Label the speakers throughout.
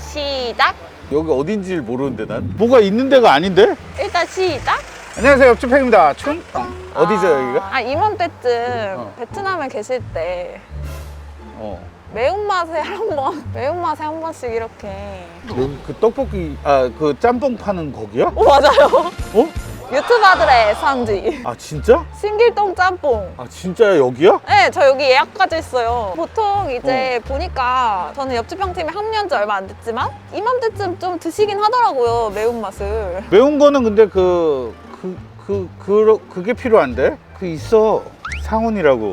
Speaker 1: 시작.
Speaker 2: 여기 어딘지를 모르는데 난 뭐가 있는 데가 아닌데?
Speaker 1: 일단 시작.
Speaker 2: 안녕하세요, 옆집 팩입니다. 어디죠 여기가?
Speaker 1: 이맘때쯤 베트남에 계실 때 매운맛에 매운맛에 한 번씩 이렇게.
Speaker 2: 여기 그 떡볶이 그 짬뽕 파는 거기야?
Speaker 1: 맞아요.
Speaker 2: 어?
Speaker 1: 유튜버들의 애상지.
Speaker 2: 아 진짜?
Speaker 1: 신길동 짬뽕.
Speaker 2: 아 진짜야 여기야?
Speaker 1: 네, 저 여기 예약까지 했어요. 보통 이제 보니까 저는 옆집 형팀에 합류한 지 얼마 안 됐지만 이맘때쯤 좀 드시긴 하더라고요, 매운맛을.
Speaker 2: 매운 거는 근데 그게 필요한데? 그 있어 상훈이라고.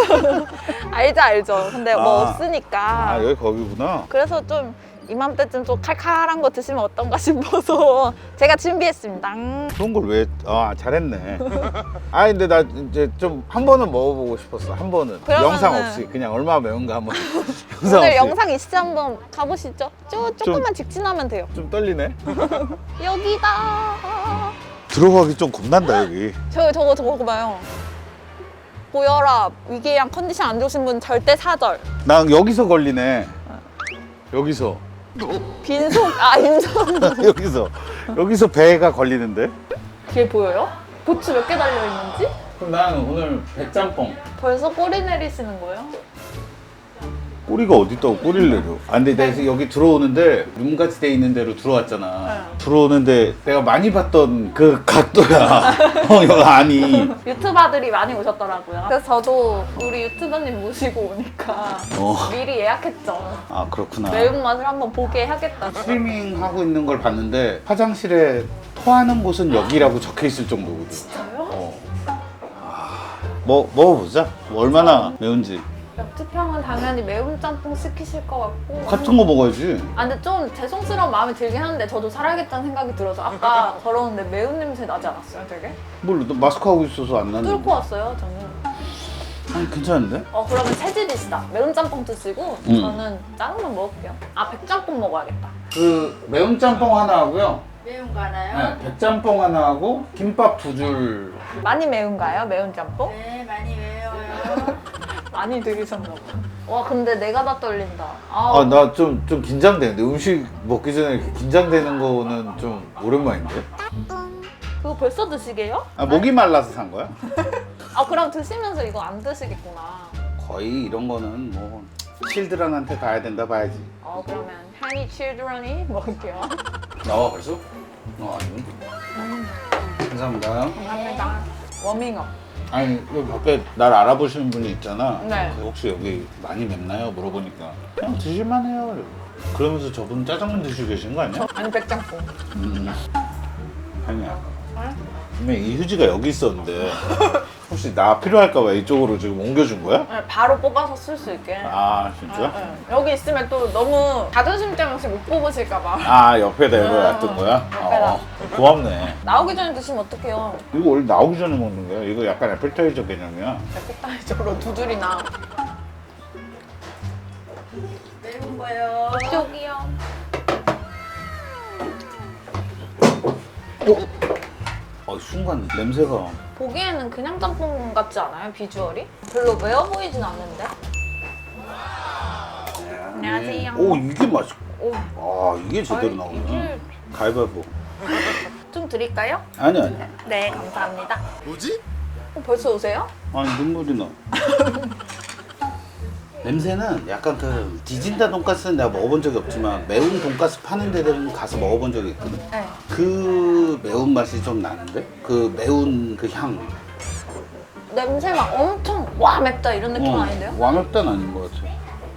Speaker 1: 알죠. 근데 뭐
Speaker 2: 아.
Speaker 1: 없으니까.
Speaker 2: 여기 거기구나.
Speaker 1: 그래서 좀 이맘때쯤 좀 칼칼한 거 드시면 어떤가 싶어서 제가 준비했습니다.
Speaker 2: 그런 걸 왜? 잘했네. 근데 나 이제 좀 한 번은 먹어보고 싶었어. 한 번은
Speaker 1: 그러면은-
Speaker 2: 영상 없이 그냥 얼마나 매운가 한번. 영상
Speaker 1: 오늘
Speaker 2: 없이.
Speaker 1: 영상 있으시 한번 가보시죠. 조금만 직진하면 돼요.
Speaker 2: 좀 떨리네.
Speaker 1: 여기다.
Speaker 2: 들어가기 좀 겁난다 여기.
Speaker 1: 저거 봐요. 고혈압, 위궤양 컨디션 안 좋으신 분 절대 사절.
Speaker 2: 난 여기서 걸리네. 여기서.
Speaker 1: 빈속, 임산.
Speaker 2: 여기서 배가 걸리는데?
Speaker 1: 뒤에 보여요? 고추 몇 개 달려있는지?
Speaker 2: 그럼 나는 오늘 배짬뽕.
Speaker 1: 벌써 꼬리 내리시는 거예요?
Speaker 2: 꼬리가 어디 있다고 꼬리를 내려. 근데 내가 여기 들어오는데 룸같이 돼 있는 데로 들어왔잖아.
Speaker 1: 네.
Speaker 2: 들어오는데 내가 많이 봤던 그 각도야. 여기 아니.
Speaker 1: 유튜버들이 많이 오셨더라고요. 그래서 저도 우리 유튜버님 모시고 오니까 미리 예약했죠.
Speaker 2: 아 그렇구나.
Speaker 1: 매운맛을 한번 보게 하겠다.
Speaker 2: 스트리밍 하고 있는 걸 봤는데 화장실에 토하는 곳은 여기라고 적혀 있을 정도거든.
Speaker 1: 진짜요?
Speaker 2: 먹어보자. 얼마나 매운지.
Speaker 1: 옆집 형은 당연히 매운 짬뽕 시키실 것 같고.
Speaker 2: 같은 거 먹어야지.
Speaker 1: 근데 좀 죄송스러운 마음이 들긴 하는데 저도 살아야겠다는 생각이 들어서 아까 걸었는데 매운 냄새 나지 않았어요, 되게?
Speaker 2: 뭘, 너 마스크 하고 있어서 안 나는데.
Speaker 1: 뚫고 왔어요, 저는.
Speaker 2: 아니 괜찮은데?
Speaker 1: 그러면 체질이시다. 매운 짬뽕 드시고 저는 작은 건 먹을게요. 백짬뽕 먹어야겠다.
Speaker 2: 그 매운 짬뽕 하나 하고요.
Speaker 1: 매운 거 하나요?
Speaker 2: 네, 백짬뽕 하나 하고 김밥 2줄.
Speaker 1: 많이 매운가요, 매운 짬뽕?
Speaker 3: 네, 많이 매워요.
Speaker 1: 많이 들으셨나 봐. 와, 근데 내가 다 떨린다.
Speaker 2: 나 좀 긴장되는데 음식 먹기 전에 이렇게 긴장되는 거는 좀 오랜만인데?
Speaker 1: 그거 벌써 드시게요?
Speaker 2: 목이 말라서 산 거야?
Speaker 1: 그럼 드시면서 이거 안 드시겠구나.
Speaker 2: 거의 이런 거는 뭐 칠드런한테 가야 된다 봐야지.
Speaker 1: 그러면 한이 칠드런이 먹을게요.
Speaker 2: 나와 벌써? 아니. 감사합니다.
Speaker 1: 감사합니다. 워밍업.
Speaker 2: 아니 여기 밖에 날 알아보시는 분이 있잖아.
Speaker 1: 네.
Speaker 2: 혹시 여기 많이 맵나요? 물어보니까 그냥 드실만해요. 그러면서 저분 짜장면 드시고 계신 거 아니야?
Speaker 1: 아니, 백짬뽕.
Speaker 2: 아니야. 분명 이 휴지가 여기 있었는데 혹시 나 필요할까봐 이쪽으로 지금 옮겨준 거야?
Speaker 1: 네, 바로 뽑아서 쓸 수 있게.
Speaker 2: 진짜?
Speaker 1: 네. 여기 있으면 또 너무 자존심 때문에 혹시 못 뽑으실까봐.
Speaker 2: 옆에다 이거 놔둔 거야?
Speaker 1: 옆에다.
Speaker 2: 고맙네.
Speaker 1: 나오기 전에 드시면 어떡해요.
Speaker 2: 이거 원래 나오기 전에 먹는 거야? 이거 약간 애플타이저 개념이야.
Speaker 1: 백다이저로 2줄이나.
Speaker 3: 매운 거요.
Speaker 1: 이쪽이요.
Speaker 2: 순간 냄새가.
Speaker 1: 보기에는 그냥 짬뽕 같지 않아요? 비주얼이? 별로 매워 보이진 않는데? 안녕하세요.
Speaker 2: 오 이게 맛있.
Speaker 1: 오,
Speaker 2: 이게 제대로 나오네. 가위바위보.
Speaker 1: 좀 드릴까요?
Speaker 2: 아니야.
Speaker 1: 네, 감사합니다.
Speaker 2: 뭐지?
Speaker 1: 벌써 오세요?
Speaker 2: 아니 눈물이 나. 냄새는 약간 그 디진다 돈가스는 내가 먹어본 적이 없지만 매운 돈가스 파는 데들은 가서 먹어본 적이 있거든.
Speaker 1: 네.
Speaker 2: 그 매운 맛이 좀 나는데? 그 매운 그 향.
Speaker 1: 냄새 막 엄청 와 맵다 이런 느낌은 아닌데요?
Speaker 2: 완벽단 아닌 것 같아.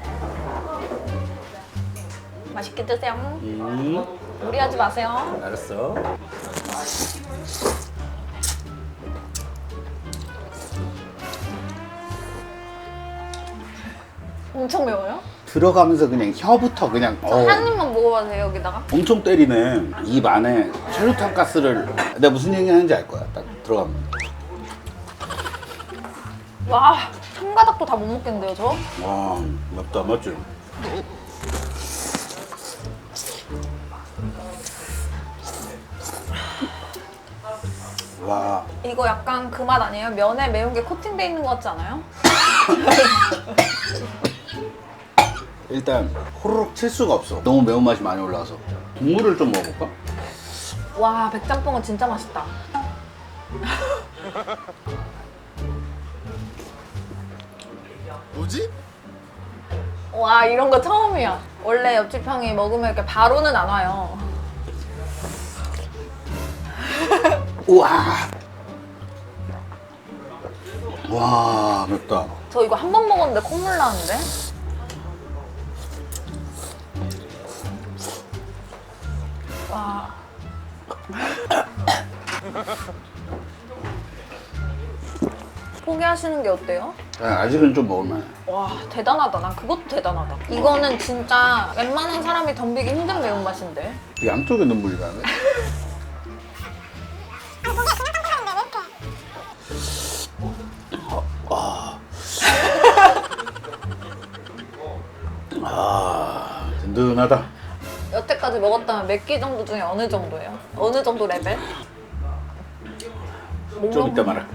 Speaker 1: 맛있게 드세요. 무리하지 마세요.
Speaker 2: 알았어.
Speaker 1: 엄청 매워요?
Speaker 2: 들어가면서 그냥 혀부터 그냥
Speaker 1: 한 입만 먹어봐도 돼요, 여기다가?
Speaker 2: 엄청 때리네. 입 안에 철루탄 가스를. 내가 무슨 얘기 하는지 알 거야. 딱 들어가면.
Speaker 1: 와, 한 가닥도 다 못 먹겠는데요, 저?
Speaker 2: 와, 맵다 맞지? 와.
Speaker 1: 이거 약간 그 맛 아니에요? 면에 매운 게 코팅돼 있는 것 같지 않아요?
Speaker 2: 일단 호로록 칠 수가 없어. 너무 매운맛이 많이 올라와서. 국물을 좀 먹어볼까?
Speaker 1: 와, 백짬뽕은 진짜 맛있다.
Speaker 2: 뭐지?
Speaker 1: 와, 이런 거 처음이야. 원래 옆집 형이 먹으면 이렇게 바로는 안 와요.
Speaker 2: 우와. 와, 맵다.
Speaker 1: 저 이거 한 번 먹었는데 콧물 나는데? 와. 포기하시는 게 어때요?
Speaker 2: 아직은 좀 먹을만해.
Speaker 1: 와, 대단하다. 난 그것도 대단하다. 이거는 진짜 웬만한 사람이 덤비기 힘든 매운맛인데.
Speaker 2: 양쪽에 눈물이 나네. 든든하다.
Speaker 1: 여태까지 먹었다면 몇 끼 정도 중에 어느 정도예요? 어느 정도 레벨?
Speaker 2: 좀 이따 말해.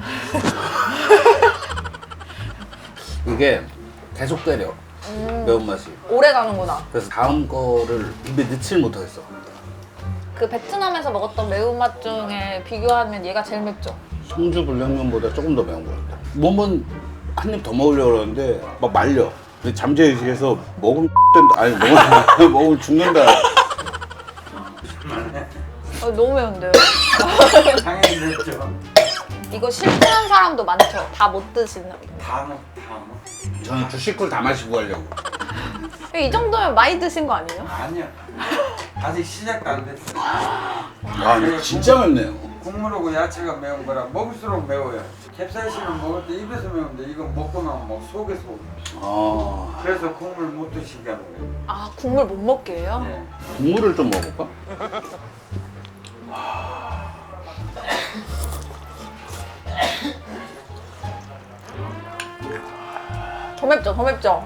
Speaker 2: 이게 계속 때려. 매운맛이.
Speaker 1: 오래 가는구나.
Speaker 2: 그래서 다음 거를 입에 넣질 못하겠어.
Speaker 1: 그 베트남에서 먹었던 매운맛 중에 비교하면 얘가 제일 맵죠?
Speaker 2: 성주 불량면보다 조금 더 매운 것 같아. 몸은 한 입 더 먹으려고 그러는데 막 말려. 근데 잠재의식에서 먹으면 된다. 아니 먹으면 죽는다.
Speaker 1: 너무 매운데요?
Speaker 3: 당연히 됐죠.
Speaker 1: 이거 실패한 사람도 많죠? 다 못 드시는.
Speaker 3: 다 먹.
Speaker 2: 저는 주식꿀 다 마시고 가려고.
Speaker 1: 이 정도면 많이 드신 거 아니에요?
Speaker 3: 아니요. 아직 시작도 안 됐어요.
Speaker 2: 와, 근데 진짜 맵네요.
Speaker 3: 국물하고 야채가 매운 거라 먹을수록 매워요. 캡사이신은 먹을 때 입에서 매운데 이건 먹고 나면 막 속에서
Speaker 2: 아,
Speaker 3: 그래서 국물 못 드시게 하는 거예요.
Speaker 1: 아, 국물 못 먹게 해요?
Speaker 3: 네.
Speaker 2: 국물을 좀 먹어볼까?
Speaker 1: 더 맵죠? 더 맵죠?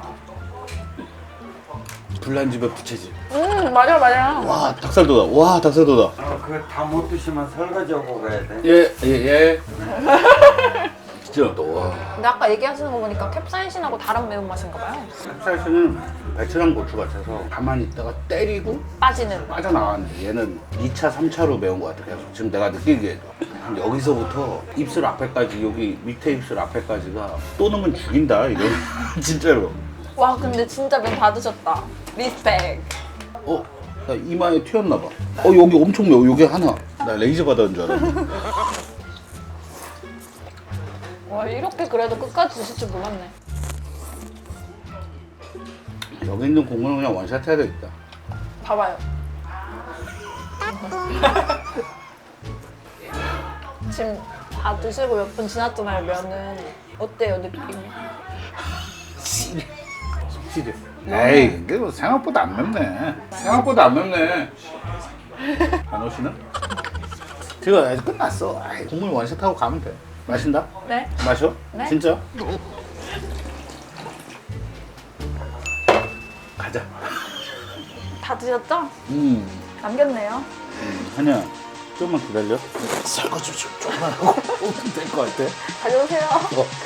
Speaker 2: 불난 집에 부채질.
Speaker 1: 맞아, 맞아.
Speaker 2: 와, 닭살도다. 와, 닭살도다.
Speaker 3: 그거 다 못 드시면 설거지하고 가야 돼.
Speaker 2: 예. 진짜 또 와.
Speaker 1: 근데 아까 얘기하시는 거 보니까 캡사이신하고 다른 매운맛인가 봐요.
Speaker 2: 캡사이신은 배추랑 고추 같아서 가만히 있다가 때리고
Speaker 1: 빠지는.
Speaker 2: 빠져나왔는데 얘는 2차, 3차로 매운 것 같아. 계속 지금 내가 느끼기에도 여기서부터 입술 앞에까지, 여기 밑에 입술 앞에까지가 또 넣으면 죽인다 이거. 진짜로.
Speaker 1: 와, 근데 진짜 면 다 드셨다. 리스펙.
Speaker 2: 나 이마에 튀었나 봐. 여기 엄청 매워. 여기 하나. 나 레이저 받았는 줄 알았네.
Speaker 1: 와, 이렇게 그래도 끝까지 드실 줄 몰랐네.
Speaker 2: 여기 있는 국물은 그냥 원샷 해야 되겠다.
Speaker 1: 봐봐요. 지금 다 드시고 몇 분 지났잖아요, 면은. 어때요, 느낌이?
Speaker 2: 확실히. 에이, 근데 뭐 생각보다 안 맵네. 생각보다 안 맵네. 안 오시나? 지금 아직 끝났어. 아이, 국물 원샷하고 가면 돼. 마신다?
Speaker 1: 네?
Speaker 2: 마셔?
Speaker 1: 네?
Speaker 2: 진짜? 가자.
Speaker 1: 다 드셨죠?
Speaker 2: 음.
Speaker 1: 남겼네요.
Speaker 2: 한이야, 조금만 기다려. 설거지 좀 조금만 하고 오면 될 것 같아.
Speaker 1: 가져오세요.